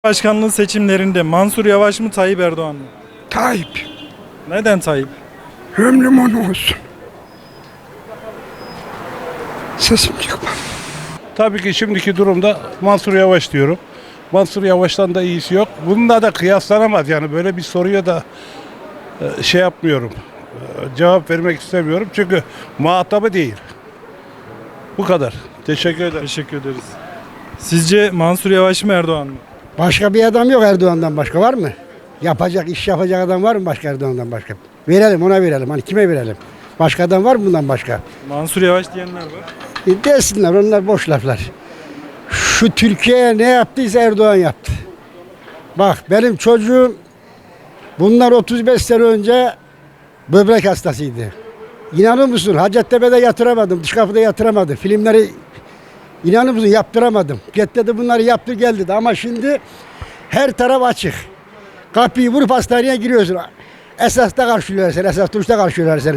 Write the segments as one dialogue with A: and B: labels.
A: Başkanlığı seçimlerinde Mansur Yavaş mı Tayyip Erdoğan mı?
B: Tayyip.
A: Neden Tayyip?
B: Ömrüm olsun. Sesim çıkmaz.
C: Tabii ki şimdiki durumda Mansur Yavaş diyorum. Mansur Yavaş'tan da iyisi yok. Bununla da kıyaslanamaz. Yani böyle bir soruya da şey yapmıyorum. Cevap vermek istemiyorum. Çünkü muhatabı değil. Bu kadar. Teşekkür ederim.
A: Teşekkür ederiz. Sizce Mansur Yavaş mı Erdoğan mı?
D: Başka bir adam yok Erdoğan'dan başka var mı? Yapacak, iş yapacak adam var mı başka Erdoğan'dan başka? Verelim, ona verelim. Hani kime verelim? Başka adam var mı bundan başka?
A: Mansur Yavaş diyenler var.
D: Desinler, onlar boş laflar. Şu Türkiye'ye ne yaptıysa Erdoğan yaptı. Bak benim çocuğum bunlar 35 sene önce böbrek hastasıydı. İnanır mısın? Hacettepe'de yatıramadım, dış kapıda yatıramadım. Filmleri inanır mısın? Yaptıramadım. Get dedi bunları yaptır gel dedi. Ama şimdi her taraf açık. Kapıyı vurup hastaneye giriyorsun. Esasta karşılıyorlar seni, esas duruşta karşılıyorlar seni.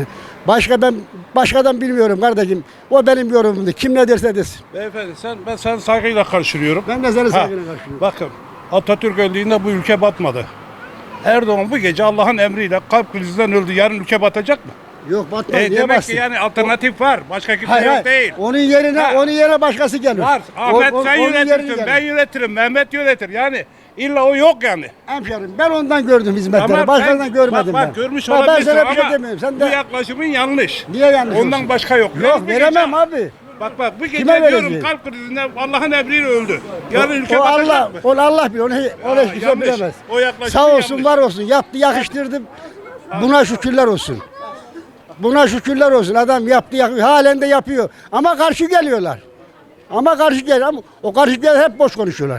D: Başkadan bilmiyorum kardeşim. O benim yorumumdu. Kim ne derse desin.
C: Beyefendi ben sana saygıyla karşılıyorum.
D: Ben de seni saygıyla karşılıyorum.
C: Bakın Atatürk öldüğünde bu ülke batmadı. Erdoğan bu gece Allah'ın emriyle kalp krizinden öldü. Yarın ülke batacak mı?
D: Yok batmaz. Niye
C: Demek
D: bassın?
C: ki yani alternatif var. Başka kimse
D: Hayır,
C: yok
D: hayır.
C: değil.
D: Onun yerine başkası gelir.
C: Var. Ahmet sen
D: onun yerine
C: yönetirsin,
D: gelir.
C: ben yönetirim, Mehmet yönetir. Yani illa o yok yani.
D: Hemşerim ben ondan gördüm hizmetleri.
C: Ama
D: Başkalarından görmedim
C: bak,
D: ben.
C: görmüş
D: Bak, ben
C: olabilirsin
D: sana bir şey
C: ama
D: demiyorum. Sen
C: bu
D: de
C: yaklaşımın yanlış.
D: niye yanlış
C: Ondan
D: olsun?
C: başka yok.
D: Yok
C: Bu
D: veremem
C: gece-
D: abi.
C: Bak bu gece
D: Kime
C: diyorum
D: vereceğim?
C: kalp krizinden Allah'ın emriyle öldü. Yarın ülke
D: O
C: batacak
D: Allah,
C: mı?
D: onu Allah bilir. Onu hiç kimse
C: yanlış.
D: bilemez.
C: O yaklaşım
D: Sağ olsun,
C: yanlış.
D: var olsun. Yaptı, yakıştırdı. Buna şükürler olsun. Buna şükürler olsun. Adam yaptı, halen de yapıyor. Ama karşı geliyorlar. Ama o karşı gelen hep boş konuşuyorlar.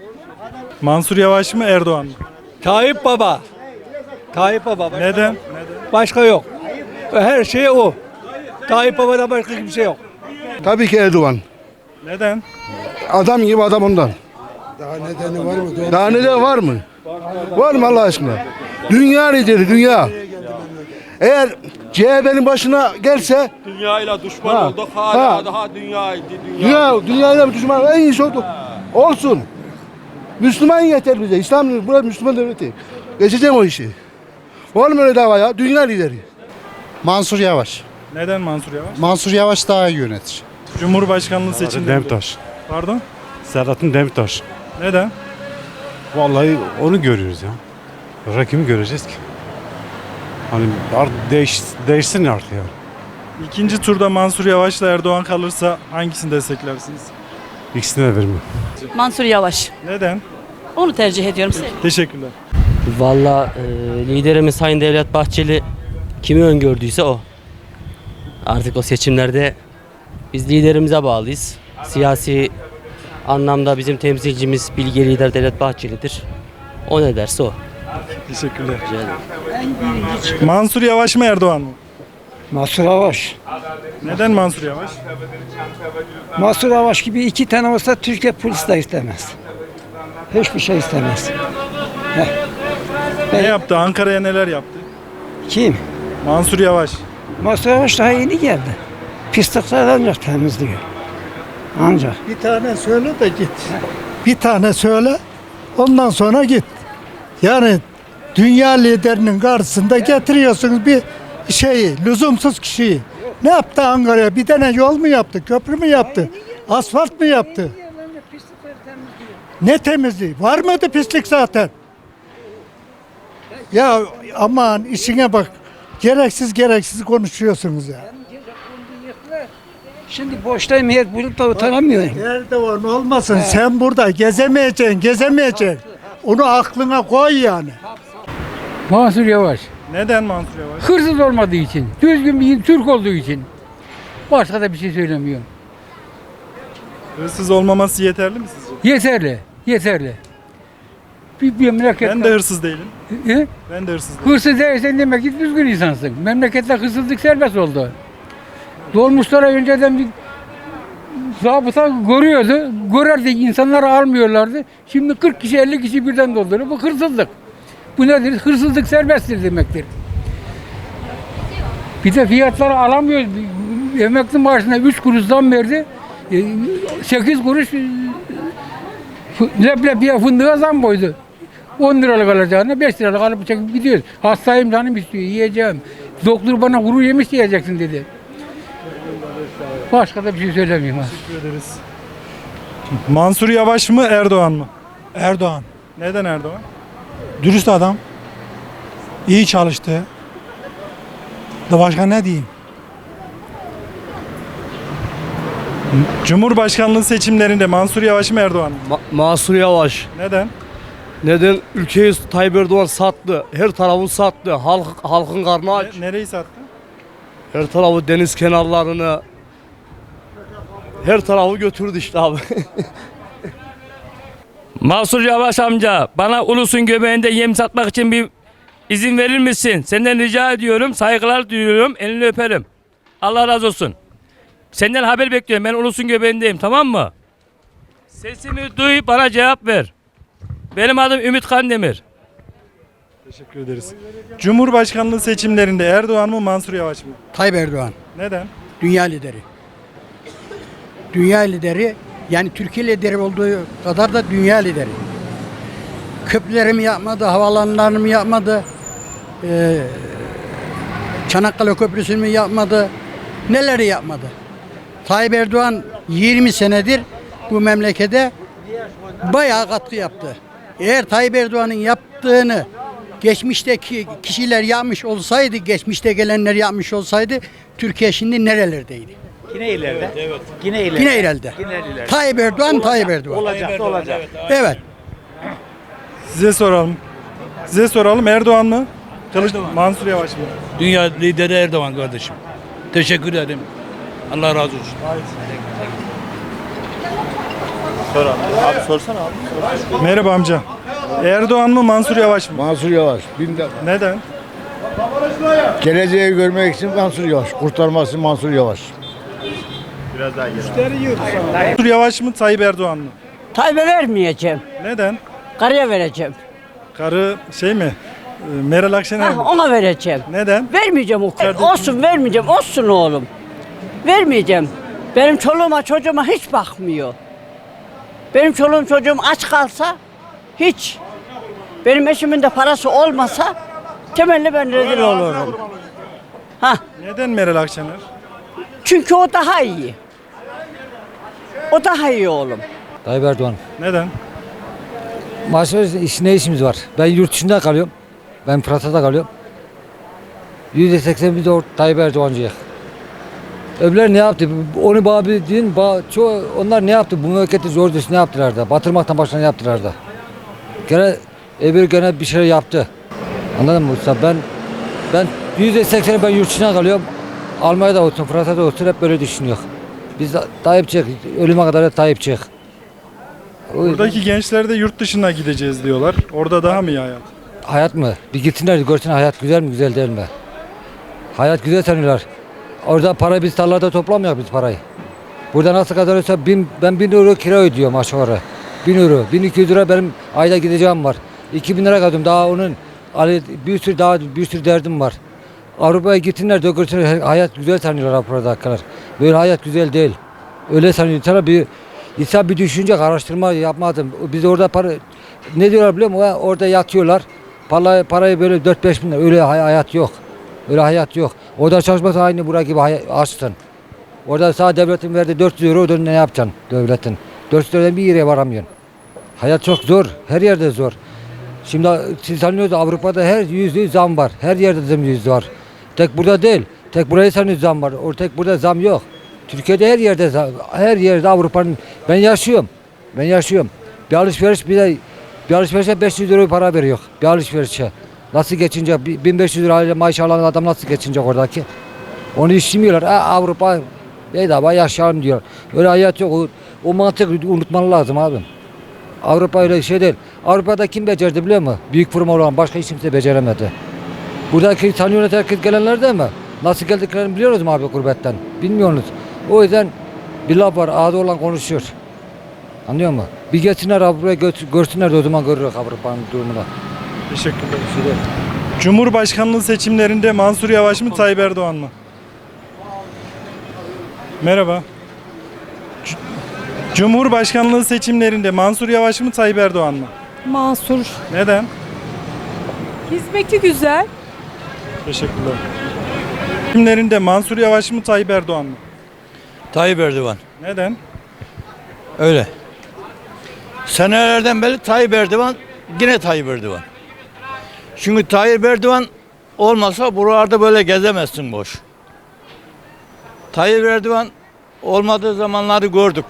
A: Mansur Yavaş mı Erdoğan mı?
E: Tayyip Baba. Tayyip Baba.
A: Neden?
E: Başka yok. Her şey o. Tayyip Baba'dan başka kimse yok.
B: Tabii ki Erdoğan.
A: Neden?
B: Adam gibi adam ondan. Daha nedeni var mı? Daha nedeni var mı? Var mı Allah aşkına? Dünya lideri, dünya. Eğer CHP'nin başına gelse
E: Dünyayla düşman
B: Ha,
E: olduk.
B: ha.
E: Hala daha
B: dünyayla bir düşman en iyisi olduk. Olsun. Müslüman yeter bize. İslam, burası Müslüman devleti. Geçeceğim o işi. Var mı öyle dava ya? Dünya lideri.
F: Mansur Yavaş.
A: Neden Mansur Yavaş?
F: Mansur Yavaş daha iyi yönetir.
A: Cumhurbaşkanlığı seçimlerinde.
G: Demirtaş.
A: Pardon?
G: Selahattin Demirtaş.
A: Neden?
G: Vallahi onu görüyoruz ya. Başka kimi göreceğiz ki? Hani artık değişsin artık yani.
A: İkinci turda Mansur Yavaş'la Erdoğan kalırsa hangisini desteklersiniz?
G: İkisine de vermiyor.
H: Mansur Yavaş.
A: Neden?
H: Onu tercih ediyorum.
A: Teşekkürler.
I: Valla liderimiz Sayın Devlet Bahçeli kimi öngördüyse o. Artık o seçimlerde biz liderimize bağlıyız. Siyasi anlamda bizim temsilcimiz bilge lider Devlet Bahçeli'dir. O ne derse o.
A: Teşekkürler. Mansur Yavaş mı Erdoğan mı?
J: Mansur Yavaş.
A: Neden Mansur Yavaş?
J: Mansur Yavaş gibi iki tane olsa Türkiye polis de istemez. Hiçbir şey istemez.
A: Ne yaptı? Ankara'ya neler yaptı?
J: Kim?
A: Mansur Yavaş.
J: Mansur Yavaş daha yeni geldi. Pislikler ancak temizliyor. Ancak.
K: Bir tane söyle de git. Bir tane söyle, ondan sonra git. Yani dünya liderinin karşısında getiriyorsunuz bir şeyi, lüzumsuz kişiyi. Ne yaptı Ankara'ya? Bir tane yol mu yaptı, köprü mü yaptı, asfalt mı yaptı? Ne temizliği? Var mıydı pislik zaten? Ya aman işine bak. Gereksiz konuşuyorsunuz ya.
J: Şimdi boştayım yer bulup da utanamıyorum.
K: Erdoğan olmasın. Sen burada gezemeyeceksin. Onu aklına koy yani.
J: Mansur Yavaş.
A: Neden Mansur Yavaş?
J: Hırsız olmadığı için, düzgün bir Türk olduğu için. Başka da bir şey söylemiyorum.
A: Hırsız olmaması yeterli mi sizce?
J: Yeterli. Bir memleket.
A: Ben de hırsız değilim.
J: He?
A: Ben de hırsız değilim.
J: Hırsız değilsen demek ki düzgün insansın. Memlekette hırsızlık serbest oldu. Dolmuşlara önceden bir zabıta görüyordu. Görerdi, insanları almıyorlardı. Şimdi 40 kişi 50 kişi birden dolduruyor. Bu hırsızlık. Bu nedir? Hırsızlık serbesttir demektir. Bir de fiyatları alamıyoruz. Emekli maaşına 3 kuruş zam verdi. 8 kuruş Leblebiye fındığa zam koydu. 10 liralık alacağına 5 liralık alıp çekip gidiyoruz. Hastayım, canım istiyor, yiyeceğim. Doktor bana kuru yemiş yiyeceksin dedi. Başka da bir şey söylemiyorum.
A: Teşekkür ederiz. Mansur Yavaş mı Erdoğan mı?
K: Erdoğan.
A: Neden Erdoğan?
K: Dürüst adam. İyi çalıştı. Da başka ne diyeyim?
A: Cumhurbaşkanlığı seçimlerinde Mansur Yavaş mı Erdoğan mı?
E: Mansur Yavaş.
A: Neden?
E: Neden? Ülkeyi Tayyip Erdoğan sattı. Her tarafı sattı. Halkın karnı aç.
A: Nereyi sattı?
E: Her tarafı deniz kenarlarını. Her tarafı götürdü işte abi.
I: Mansur Yavaş amca, bana ulusun göbeğinde yem satmak için bir izin verir misin? Senden rica ediyorum, saygılar duyuyorum, elini öperim. Allah razı olsun. Senden haber bekliyorum, ben ulusun göbeğindeyim, tamam mı? Sesimi duy, bana cevap ver. Benim adım Ümit Kandemir.
A: Teşekkür ederiz. Cumhurbaşkanlığı seçimlerinde Erdoğan mı Mansur Yavaş mı?
D: Tayyip Erdoğan.
A: Neden?
D: Dünya lideri. Dünya lideri, yani Türkiye lideri olduğu kadar da dünya lideri. Köprülerimi yapmadı, havalanlarını yapmadı, Çanakkale Köprüsü'nü yapmadı, neleri yapmadı. Tayyip Erdoğan 20 senedir bu memlekete bayağı katkı yaptı. Eğer Tayyip Erdoğan'ın yaptığını geçmişteki kişiler yapmış olsaydı, geçmişte gelenler yapmış olsaydı, Türkiye şimdi nerelerdeydi?
E: Yine ileride. Evet. Yine
D: Yine ileride. Tayyip Erdoğan, Tayyip Erdoğan.
E: Olacak.
D: Evet.
A: Size soralım Erdoğan mı? Mansur Yavaş mı?
C: Dünya lideri Erdoğan kardeşim. Teşekkür ederim. Allah razı olsun.
A: Merhaba amca. Erdoğan mı Mansur Yavaş mı?
B: Mansur Yavaş.
A: Neden?
B: Geleceği görmek için Mansur Yavaş. Kurtarması Mansur Yavaş.
A: Mansur Yavaş mı Tayyip Erdoğan mı?
H: Tayyip'e vermeyeceğim.
A: Neden?
H: Karıya vereceğim.
A: Karı şey mi? Meral Akşener mi?
H: Ona vereceğim.
A: Neden?
H: Vermeyeceğim o kadar. Olsun vermeyeceğim. Olsun oğlum. Vermeyeceğim. Benim çoluğuma çocuğuma hiç bakmıyor. Benim çoluğum çocuğum aç kalsa hiç. Benim eşimin de parası olmasa temelli ben rezil olurum.
A: Neden Meral Akşener?
H: Çünkü o daha iyi. O daha iyi oğlum.
E: Tayyip Erdoğan.
A: Neden?
E: Ne işimiz var? Ben yurt dışında kalıyorum. Ben Fransa'da kalıyorum. %80 biz de Tayyip Erdoğancıyız. Öbürler ne yaptı? Onu bana bir deyin, onlar ne yaptı? Bu memleketi zor düz ne yaptılar da? Batırmaktan başına ne yaptılar da? Gene bir şey yaptı. Anladın mı usta? Ben %80'i ben yurt dışına kalıyorum. Almanya'da olsun, Fransa'da olsun hep böyle düşünüyor. Biz Tayyip çık, ölüme kadar da Tayyip çık.
A: Buradaki gençler de yurt dışına gideceğiz diyorlar. Orada daha mı iyi hayat?
E: Hayat mı? Bir gitsinler görsün hayat güzel mi güzel değil mi? Hayat güzel sanıyorlar. Orada para biz tarlada toplamıyoruz biz parayı. Burada nasıl kazanıyorsa ben 1000 euro kira ödüyorum aşağı yukarı. 1000 euro, 1200 lira benim ayda gideceğim var. 2000 lira kazanıyorum daha onun bir sürü derdim var. Avrupa'ya gitsinler de görsünler hayat güzel sanıyorlar Avrupa'dakiler. Böyle hayat güzel değil. Öyle sanıyor. İnsan bir düşünecek, araştırma yapmadım. Biz orada ne diyorlar biliyor musun? Orada yatıyorlar. Parayı böyle 4-5 bin lira. Öyle hayat yok. Öyle hayat yok. Orada çalışması aynı buraya gibi açsın. Orada sana devletin verdiği 400 euro ne yapacaksın devletin? 400 eurodan bir yere varamıyorsun. Hayat çok zor. Her yerde zor. Şimdi siz sanıyorsunuz Avrupa'da her %100 zam var. Her yerde zam %100 var. Tek burada değil. Tek buraya sanıyorsunuz zam var. Tek burada zam yok. Türkiye'de her yerde Avrupa'nın ben yaşıyorum. Bir alışverişe 500 euro para veriyor. Bir alışverişe. Nasıl geçince 1500 lira maaş alan adam nasıl geçinecek oradaki? Onu istemiyorlar. Avrupa bedava yaşayalım diyor. Öyle hayat yok. O mantık unutman lazım abi. Avrupa öyle şey değil. Avrupa'da kim becerdi biliyor musun? Büyük firma olan başka hiç kimse beceremedi. Buradaki tanıyorlar herkes gelenler değil mi? Nasıl geldiklerini biliyoruz mu abi gurbetten? Bilmiyorsunuz. O yüzden bir laf var ağzı olan konuşuyor. Anlıyor musun? Bir geçsinler Avrupa'ya görsünler de o zaman görürük Avrupa'nın durumunu.
A: Teşekkürler. Cumhurbaşkanlığı seçimlerinde Mansur Yavaş mı Tayyip Erdoğan mı? Merhaba. Cumhurbaşkanlığı seçimlerinde Mansur Yavaş mı Tayyip Erdoğan mı?
L: Mansur.
A: Neden?
L: Hizmeti güzel.
A: Teşekkürler. Seçimlerinde Mansur Yavaş mı Tayyip Erdoğan mı?
M: Tayyip Erdoğan.
A: Neden?
M: Öyle. Senelerden beri Tayyip Erdoğan, yine Tayyip Erdoğan. Çünkü Tayyip Erdoğan olmasa buralarda böyle gezemezsin boş. Tayyip Erdoğan olmadığı zamanları gördük.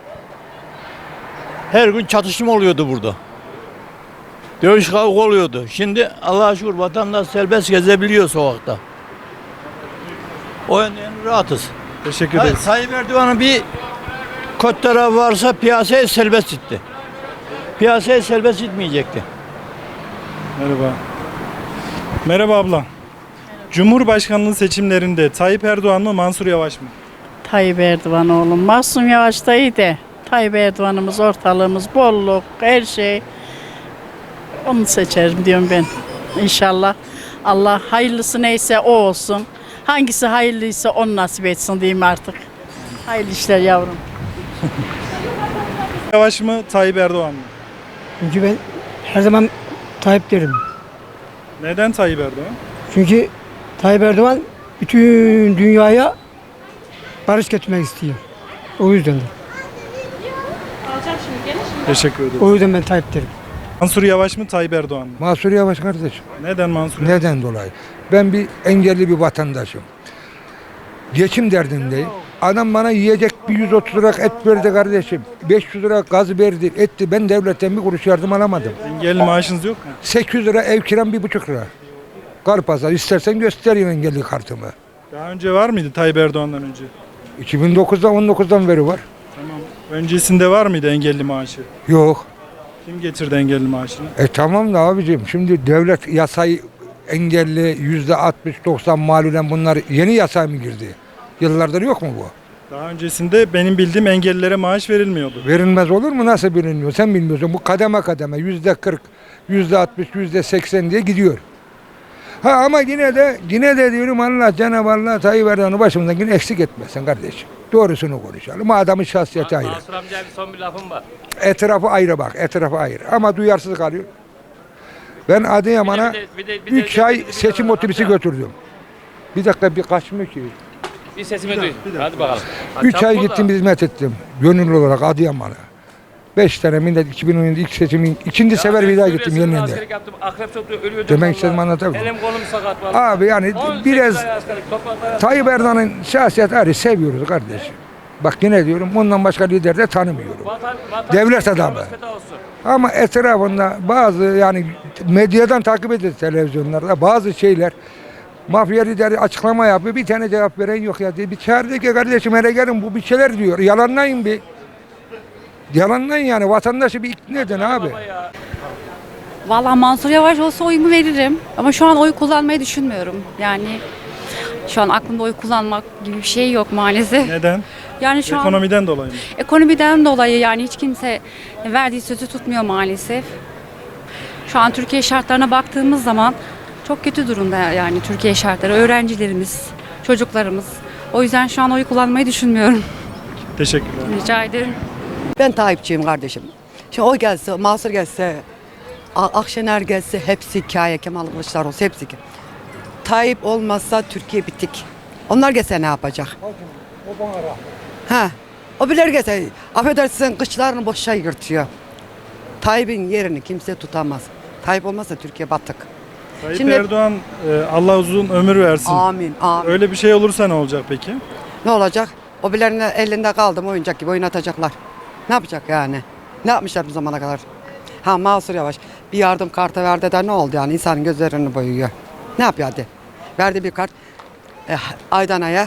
M: Her gün çatışma oluyordu burada. Dövüş kavga oluyordu. Şimdi Allah'a şükür vatandaş serbest gezebiliyor sokakta. O yönden rahatız.
A: Teşekkür ederiz.
M: Tayyip Erdoğan'ın bir kötü tarafı varsa piyasayı serbest itti. Piyasayı serbest itmeyecekti.
A: Merhaba. Merhaba abla. Cumhurbaşkanlığı seçimlerinde Tayyip Erdoğan mı Mansur Yavaş mı?
H: Tayyip Erdoğan oğlum. Masum Yavaş da iyi de. Tayyip Erdoğan'ımız, ortalığımız, bolluk, her şey. Onu seçerim diyorum ben. İnşallah Allah hayırlısı neyse o olsun. Hangisi hayırlıysa onu nasip etsin diyeyim artık. Hayırlı işler yavrum.
A: Yavaş mı Tayyip Erdoğan mı?
J: Çünkü ben her zaman Tayyip derim.
A: Neden Tayyip Erdoğan?
J: Çünkü Tayyip Erdoğan bütün dünyaya barış getirmek istiyor. O yüzden.
A: Teşekkür ederim.
J: O yüzden ben Tayyip derim.
A: Mansur Yavaş mı Tayyip Erdoğan mı?
D: Mansur Yavaş kardeşim.
A: Neden Mansur Yavaş?
D: Neden dolayı? Ben bir engelli bir vatandaşım. Geçim derdindeyim. Adam bana yiyecek bir 130 lira et verdi kardeşim. 500 lira gaz verdi, etti. Ben devletten bir kuruş yardım alamadım.
A: Engelli maaşınız yok mu?
D: 800 lira ev kiram 1,5 lira. Karpazar istersen göstereyim engelli kartımı.
A: Daha önce var mıydı Tayyip Erdoğan'dan önce?
D: 2009'dan 19'dan beri var.
A: Tamam. Öncesinde var mıydı engelli maaşı?
D: Yok.
A: Kim getirdi engelli maaşını?
D: Tamam da abicim şimdi devlet yasayı engelli %60-90 malulen bunlar yeni yasa mı girdi? Yıllardır yok mu bu?
A: Daha öncesinde benim bildiğim engellilere maaş verilmiyordu.
D: Verilmez olur mu? Nasıl bilinmiyor? Sen bilmiyorsun. Bu kademe kademe %40, %60, %80 diye gidiyor. Ha ama yine de diyorum Allah Cenab-ı Allah Tayyip Erdoğan'ı başımızdan yine eksik etmesin kardeşim. Doğrusunu konuşalım. Adamın şahsiyeti ayrı.
I: Mansur amca bir son bir lafım var.
D: Etrafı ayrı bak. Etrafı ayrı. Ama duyarsız kalıyor. Ben Adıyaman'a 3 ay seçim otobüsü götürdüm. Bir dakika bir kaçmıyor ki.
I: Bir sesimi duy. Hadi bakalım.
D: 3 ay gittim hizmet ettim. Gönüllü olarak Adıyaman'a. 5 tane millet 2017 ilk seçimin ikinci sefer bir daha gittim yeniden.
I: Askerlik yaptım. Akrep topluyor. Ölüyordum.
D: Demek istediğimi anlatabilirim.
I: Elim kolum sakat vallahi.
D: Abi yani
I: 18
D: biraz
I: ay askerlik, topraklara-
D: Tayyip Erdoğan'ın şahsiyet ayrı seviyoruz kardeşim. Bak yine diyorum ondan başka lider de tanımıyorum. Devlet adamı. Ama etrafında bazı yani medyadan takip edilir televizyonlarda bazı şeyler mafya lideri açıklama yapıyor. Bir tane cevap veren yok ya diye. Bir çağırdı ki kardeşim hele gelin bu bir şeyler diyor. Yalanlayın bir. Yalanlayın yani vatandaşı bir ikna edin abi.
L: Vallahi Mansur Yavaş olsa oyumu veririm. Ama şu an oy kullanmayı düşünmüyorum. Yani şu an aklımda oy kullanmak gibi bir şey yok maalesef.
A: Neden?
L: Yani şu an
A: Ekonomiden dolayı mı?
L: ekonomiden dolayı yani hiç kimse verdiği sözü tutmuyor maalesef. Şu an Türkiye şartlarına baktığımız zaman çok kötü durumda yani Türkiye şartları. Öğrencilerimiz, çocuklarımız. O yüzden şu an oy kullanmayı düşünmüyorum.
A: Teşekkürler.
L: Rica ederim.
H: Ben Tayyipçiyim kardeşim. Şimdi o gelse, Mansur gelse, Akşener gelse hepsi hikaye, Kemal Kılıçdaroğlu hepsi ki. Tayyip olmazsa Türkiye bitik. Onlar gelse ne yapacak? Ha, o bilir gelse, affedersin kışlarını boşa yırtıyor. Tayyip'in yerini kimse tutamaz. Tayyip olmazsa Türkiye batık.
A: Tayyip
H: Şimdi-
A: Erdoğan Allah uzun ömür versin.
H: Amin, amin.
A: Öyle bir şey olursa ne olacak peki?
H: Ne olacak? O bilerin elinde kaldı mı oyuncak gibi oynatacaklar. Ne yapacak yani? Ne yapmışlar bu zamana kadar? Ha Mansur Yavaş bir yardım kartı verdi de ne oldu yani insanın gözlerini boyuyor. Ne yapıyor hadi? Verdi bir kart aydan aya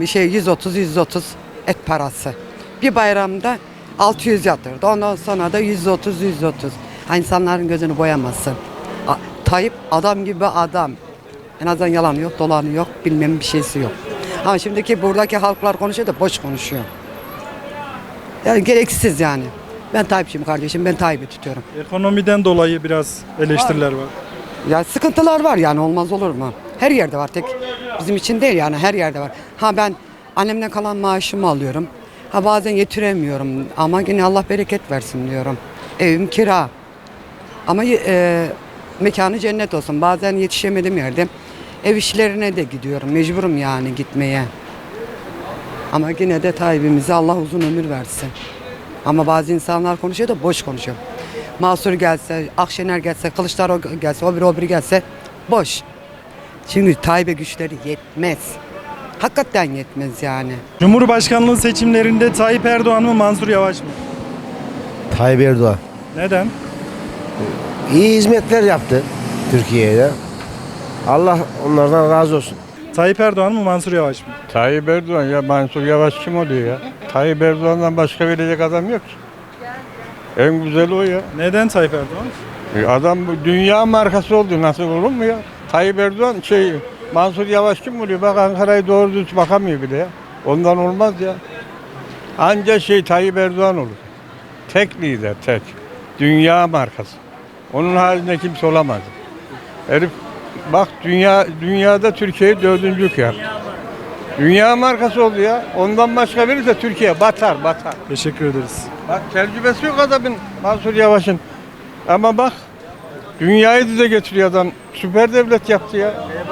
H: 130 et parası. Bir bayramda 600 yatırdı. Ondan sonra da 130. Ha, insanların gözünü boyamazsın. Tayyip adam gibi adam. En azından yalanı yok, dolanı yok, bilmem bir şeysi yok. Ama şimdiki buradaki halklar konuşuyor da boş konuşuyor. Yani gereksiz yani. Ben Tayyipçiyim kardeşim, ben Tayyip'i tutuyorum.
A: Ekonomiden dolayı biraz eleştiriler var.
H: Ya sıkıntılar var yani olmaz olur mu? Her yerde var tek bizim için değil yani her yerde var. Ha ben annemden kalan maaşımı alıyorum.
N: Ha bazen yetiremiyorum ama yine Allah bereket versin diyorum. Evim kira. Ama mekanı cennet olsun. Bazen yetişemedim yerde. Ev işlerine de gidiyorum. Mecburum yani gitmeye. Ama yine de Tayyip'imize Allah uzun ömür versin. Ama bazı insanlar konuşuyor da boş konuşuyor. Mansur gelse, Akşener gelse, Kılıçdaroğlu gelse, o biri gelse boş. Çünkü Tayyip'e güçleri yetmez. Hakikaten yetmez yani.
A: Cumhurbaşkanlığı seçimlerinde Tayyip Erdoğan mı Mansur Yavaş mı?
O: Tayyip Erdoğan.
A: Neden?
O: İyi hizmetler yaptı Türkiye'ye. Allah onlardan razı olsun.
A: Tayyip Erdoğan mı Mansur Yavaş mı?
C: Tayyip Erdoğan ya, Mansur Yavaş kim oluyor ya? Tayyip Erdoğan'dan başka verecek adam yok ki. En güzeli o ya.
A: Neden Tayyip Erdoğan?
C: Adam bu dünya markası oldu, nasıl olur mu ya? Tayyip Erdoğan Mansur Yavaş kim oluyor? Bak Ankara'yı doğru düz bakamıyor bile ya. Ondan olmaz ya. Anca Tayyip Erdoğan olur. Tek lider, tek. Dünya markası. Onun halinde kimse olamaz. Herif bak dünyada Türkiye'yi 4. yaptı. Dünya markası oldu ya. Ondan başka verirse Türkiye batar.
A: Teşekkür ederiz.
C: Bak tecrübesi yok adamın, Mansur Yavaş'ın. Ama bak dünyayı dize getiriyor adam. Süper devlet yaptı ya.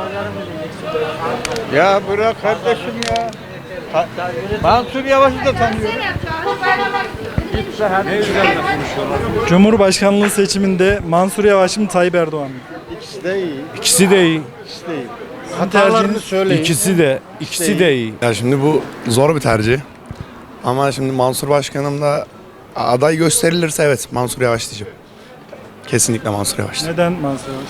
C: Ya bırak kardeşim ya. Mansur Yavaş'ı da tanıyorum.
A: Cumhurbaşkanlığı seçiminde Mansur Yavaş mı Tayyip Erdoğan mı?
F: İkisi de iyi.
G: İkisi de iyi.
F: Hatalarını söyleyin.
G: İkisi de iyi.
P: Ya şimdi bu zor bir tercih. Ama şimdi Mansur Başkanım da aday gösterilirse evet Mansur Yavaş diyeceğim. Kesinlikle Mansur Yavaş.
A: Neden Mansur Yavaş?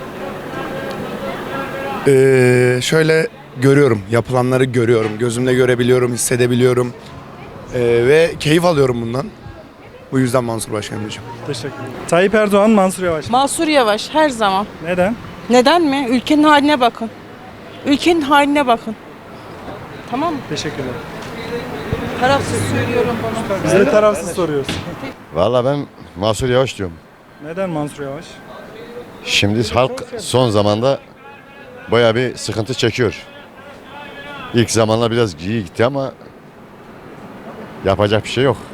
P: Şöyle görüyorum, yapılanları görüyorum, gözümle görebiliyorum, hissedebiliyorum ve keyif alıyorum bundan. Bu yüzden Mansur Başkanım diyeceğim.
A: Teşekkür ederim. Tayyip Erdoğan Mansur Yavaş mı?
Q: Mansur Yavaş her zaman.
A: Neden?
Q: Neden mi? Ülkenin haline bakın. Ülkenin haline bakın. Tamam mı?
A: Teşekkür ederim.
Q: Tarafsız söylüyorum bunu.
A: Biz de tarafsız soruyoruz.
O: Vallahi ben Mansur Yavaş diyorum.
A: Neden Mansur Yavaş?
O: Şimdi halk son zamanda bayağı bir sıkıntı çekiyor. İlk zamanlar biraz iyi gitti ama yapacak bir şey yok.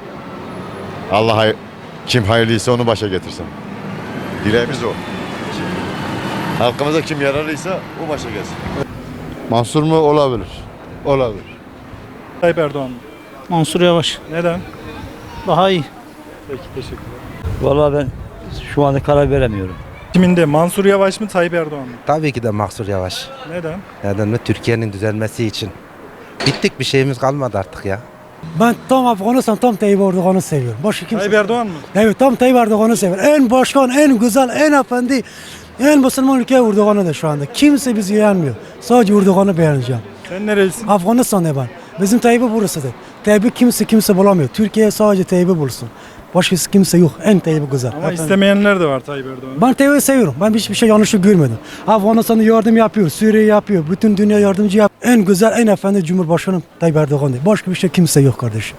O: Allah kim hayırlıysa onu başa getirsin. Dileğimiz o. Halkımıza kim yararlıysa o başa gelsin. Mansur mu? Olabilir. Olabilir.
A: Tayyip Erdoğan mı?
M: Mansur Yavaş.
A: Neden?
M: Daha iyi.
A: Peki teşekkürler.
E: Vallahi ben şu anda karar veremiyorum.
A: Seçiminde Mansur Yavaş mı Tayyip Erdoğan mı?
O: Tabii ki de Mansur Yavaş.
A: Neden?
O: Neden mi? Türkiye'nin düzelmesi için. Bittik, bir şeyimiz kalmadı artık ya.
K: Ben tam Afganistan, tam Tayyip Erdoğan'ı seviyorum. Başka kimse.
A: Tayyip Erdoğan mı?
K: Evet, tam Tayyip Erdoğan'ı seviyorum. En başkan, en güzel, en efendi, en Müslüman ülke Erdoğan'ı da şu anda. Kimse bizi beğenmiyor. Sadece Erdoğan'ı beğeneceğim.
A: Sen nerelisin?
K: Afganistan'da ben. Bizim Tayyip'i burasıdır. Tayyip'i kimse bulamıyor. Türkiye sadece Tayyip'i bulsun. Başkası kimse yok. En Tayyip'i güzel.
A: Ama istemeyenler de var Tayyip Erdoğan.
K: Ben Tayyip'i seviyorum. Ben hiçbir şey yanlışı görmedim. Afganistan'a yardım yapıyor, Suriye yapıyor. Bütün dünya yardımcı yapıyor. En güzel, en efendi Cumhurbaşkanı Tayyip Erdoğan'dır. Başka bir şey kimse yok kardeşim.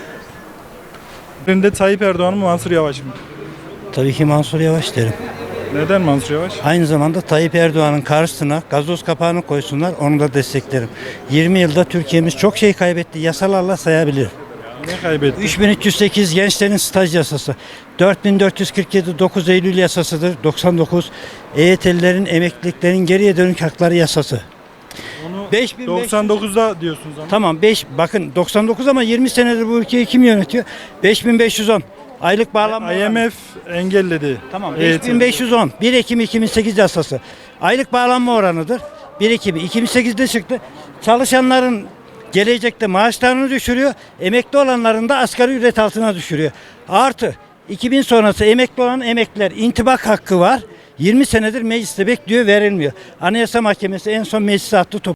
A: Birinde Tayyip Erdoğan mı Mansur Yavaş mı?
M: Tabii ki Mansur Yavaş derim.
A: Neden Mansur Yavaş?
M: Aynı zamanda Tayyip Erdoğan'ın karşısına gazoz kapağını koysunlar, onu da desteklerim. 20 yılda Türkiye'miz çok şey kaybetti. Yasalarla sayabilir.
A: Ne kaybetti?
M: 3308 gençlerin staj yasası. 4447 9 Eylül yasasıdır. 99 EYT'lilerin emekliliklerin geriye dönük hakları yasası.
A: Onu
M: 5500
A: 99'da diyorsunuz ama.
M: Tamam bakın 99 ama 20 senedir bu ülkeyi kim yönetiyor? 5510 aylık bağlanma oranı.
A: IMF engelledi.
M: Tamam
A: Evet.
M: 5510 1 Ekim 2008 yasası. Aylık bağlanma oranıdır. 1 Ekim 2008'de çıktı. Çalışanların gelecekte maaşlarını düşürüyor. Emekli olanların da asgari ücret altına düşürüyor. Artı 2000 sonrası emekli olan emekliler intibak hakkı var. 20 senedir mecliste bekliyor, verilmiyor. Anayasa Mahkemesi en son meclise attı.